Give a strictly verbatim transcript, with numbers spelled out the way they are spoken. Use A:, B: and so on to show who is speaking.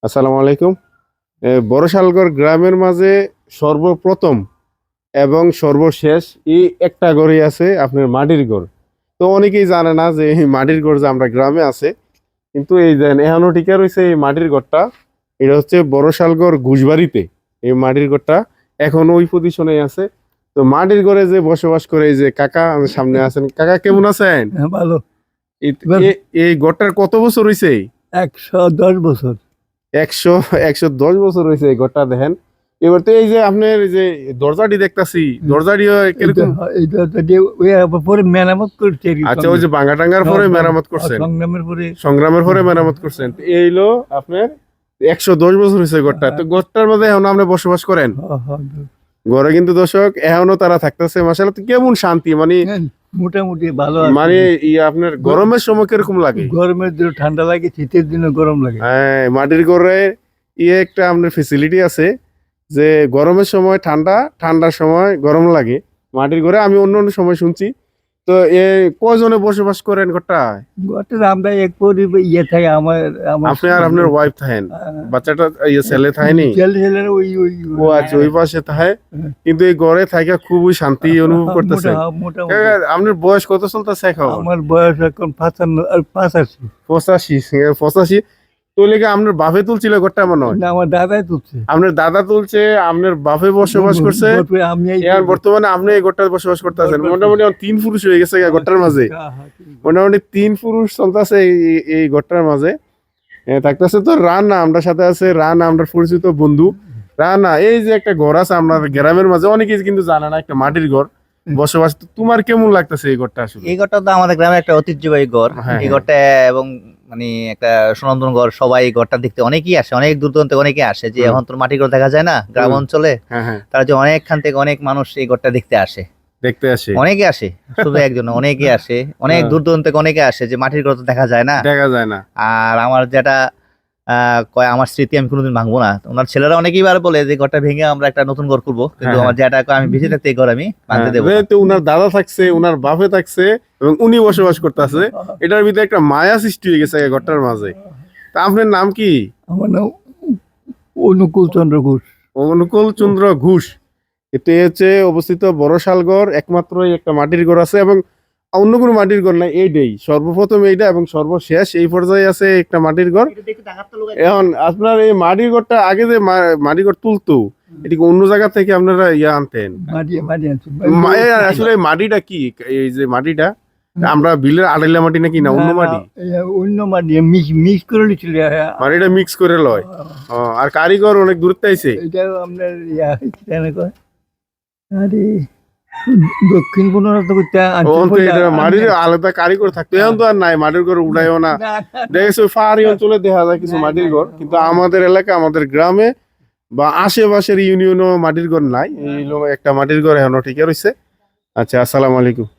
A: আসসালামু আলাইকুম। এ, বড়শালগড় গ্রামের মাঝে সর্বপ্রথম এবং সর্বশেষ এই একটা ঘরই আছে আপনার মাটির ঘর। তো অনেকেই জানে না যে এই মাটির ঘর যে আমরা গ্রামে আছে, কিন্তু এই যে এখনো টিকে রয়েছে এই মাটির ঘরটা। এটা হচ্ছে বড়শালগড় ঘুষবাড়িতে এই মাটির ঘরটা এখন ওই পজিশনে আছে। তো মাটির ঘরে যে বসবাস করে এই যে কাকা আমার সামনে আছেন, কাকা কেমন আছেন?
B: হ্যাঁ, ভালো।
A: এই
B: বেশ।
A: এ- এই ঘরটার কত বছর হয়েছে?
B: একশো দশ বছর।
A: একশো একশো দশ বছর হয়েছে এই ঘরটা দেখেন। এবার তো এই যে আপনার এই যে দরজাটি দেখতাছি, দরজাটিও কিরকম?
B: এটা এটা তো যে ওই আবার পরে মেরামত করছে আর কি
A: আচ্ছা, ওই যে ভাঙা টাঙ্গার পরে মেরামত করছেন,
B: সংগ্রামের পরে।
A: সংগ্রামের পরে মেরামত করছেন। তো এই হলো আপনার একশো দশ বছর হয়েছে ঘরটা। তো ঘরটার মধ্যে এখন আপনি বসবাস করেন।
B: হ্যাঁ, হ্যাঁ,
A: ঘরে কিন্তু দর্শক এখনো তারা থাকতেছে, মাশাআল্লাহ। তো কেমন শান্তি, মানে
B: হ্যাঁ, মোটামুটি ভালো আছে।
A: মানে ই আপনার গরমের সময় কিরকম লাগে?
B: গরমের দিনে ঠান্ডা লাগে, শীতের দিনে গরম লাগে।
A: হ্যাঁ, মাটির ঘরে ইয়ে একটা আপনার ফেসিলিটি আছে যে গরমের সময় ঠান্ডা, ঠান্ডার সময় গরম লাগে মাটির ঘরে। আমি অন্য অন্য সময় শুনছি। তো এ কয়জনে বসবাস করেন ঘরটায়?
B: ঘরটা আমরা এক পরি ইয়ে থাকে আমার আমার
A: আপনি আর আপনার ওয়াইফ থাকেন,
B: হ্যাঁ,
A: বাচ্চাটা ইয়ে ছেলে থাকেনি?
B: ছেলে ছেলেরা ওই ওই
A: ও আচ্ছা, ওই পাশে থাকে। কিন্তু এই ঘরে থাকা খুবই শান্তি অনুভব করতেছে।
B: মোটা- মোটামুটি।
A: আপনার বয়স কত চলতেছে এখন?
B: আমার বয়স এখন পাঁচান্ন আর পাঁচাশি।
A: পঁচাশি। পঁচাশি তো লেগে আপনার বাপে তুলছিল ঘরটা মনে হয়?
B: না, আমার দাদাই তুলছে।
A: আপনার দাদা তুলছে, আপনার বাপে বসবাস করছে,
B: তারপরে আমি এই-
A: এখন বর্তমানে আপনি এই গোটায় বসবাস করতেছেন। মোটামুটি এখন তিন পুরুষ হয়ে গেছে এই গোটার মাঝে।
B: হ্যাঁ, হ্যাঁ, ঠিক আছে।
A: মোটামুটি তিন পুরুষ চলতেছে এই- এই গোটার মাঝে। এ, থাকতেছে তো রানা, আমরা সাথে আছে রানা, আমরা পরিচিত বন্ধু রানা। এই যে একটা ঘর আছে আপনার গ্রামের মাঝে, অনেকেই কিন্তু জানে না, একটা মাটির ঘর বসবাস। তো তোমার কেমন লাগতেছে এই ঘরটা আসলে?
C: এই ঘরটা তো আমাদের গ্রামের একটা ঐতিহ্যবাহী ঘর।
A: হ্যাঁ,
C: এই
A: হ্যাঁ।
C: ঘরটা এবং মানে একটা সুনন্দন ঘর, সবাই এই ঘরটা দেখতে অনেকেই আসে, অনেক দূর দূরান্ত থেকে অনেকে আসে। যে
A: হুম।
C: এখন তোর মাটির ঘর দেখা যায় না গ্রাম
A: হুম।
C: অঞ্চলে,
A: হ্যাঁ, হ্যাঁ,
C: তারা যে অনেকখান থেকে অনেক মানুষ এই ঘরটা দেখতে আসে।
A: দেখতে আসে,
C: অনেকে আসে, শুধু একজন না, অনেকে আসে, অনেক
A: হ্যাঁ।
C: দূর দূরান্ত থেকে অনেকে আসে, যে মাটির ঘর তো দেখা যায় না।
A: দেখা যায় না।
C: আর আমার যেটা আহ, কয় আমার স্মৃতি আমি কোনোদিন ভাঙবো না। ওনার ছেলেরা অনেকেই বার বলে যে ঘরটা ভেঙে আমরা একটা নতুন ঘর করবো, কিন্তু
A: হ্যাঁ,
C: আমার যেটা কয় আমি বেঁচে থাকতে এই ঘর আমি ভাঙতে
A: হ্যাঁ,
C: দেবো না।
A: যেহেতু উনার দাদা থাকছে, উনার বাপে থাকছে এবং উনি বসবাস করতেছে, এটার ভিতরে একটা মায়া সৃষ্টি হয়ে গেছে এই ঘরটার মাঝে। তা আপনার নাম কি?
B: আমার নাম অনুকূল চন্দ্র ঘোষ।
A: অনুকূল চন্দ্র ঘোষ। এতে হচ্ছে অবস্থিত বড়শালগড়, একমাত্র এই একটা মাটির ঘর আছে এবং অন্য কোনো মাটির ঘর নাই। এইটাই সর্বপ্রথম, এইটা এবং সর্বশেষ এই পর্যায়ে আছে একটা মাটির ঘর। এখন আপনার এই মাটির ঘরটা আগে যে মা- মাটির ঘর তুলতো, এটিকে অন্য জায়গা থেকে আপনারা ইয়া আনতেন?
B: মাটি মাটি আনছি।
A: মা- এ আসলে এই মাটিটা কি, এই যে মাটিটা আমরা বিলের আড়াইলা মাটি নাকি না অন্য
B: না, না,
A: মাটি?
B: এই অন্য মাটি মিক্স মিক্স করে নিচ্ছিল।
A: মাটিটা মিক্স করে লয়। ও, আর কারিগর অনেক দূরত্বে আইছে।
B: এটা আপনার ইয়া কি জানে কয়? আরে দক্ষিণ পূর্ব করতে
A: ও, তো এটা মাটির আলাদা কারিগর থাকতো, এখন তো আর নাই। মাটির ঘর উড়াইও না। দেখেছো পাহাড়ি অঞ্চলে দেখা যায় কিছু মাটির ঘর, কিন্তু আমাদের এলাকা, আমাদের গ্রামে বা আশেপাশের ইউনিয়নও মাটির ঘর নাই। এই হলো একটা মাটির ঘর এখনো ঠিক রয়েছে। আচ্ছা, আসসালামু আলাইকুম।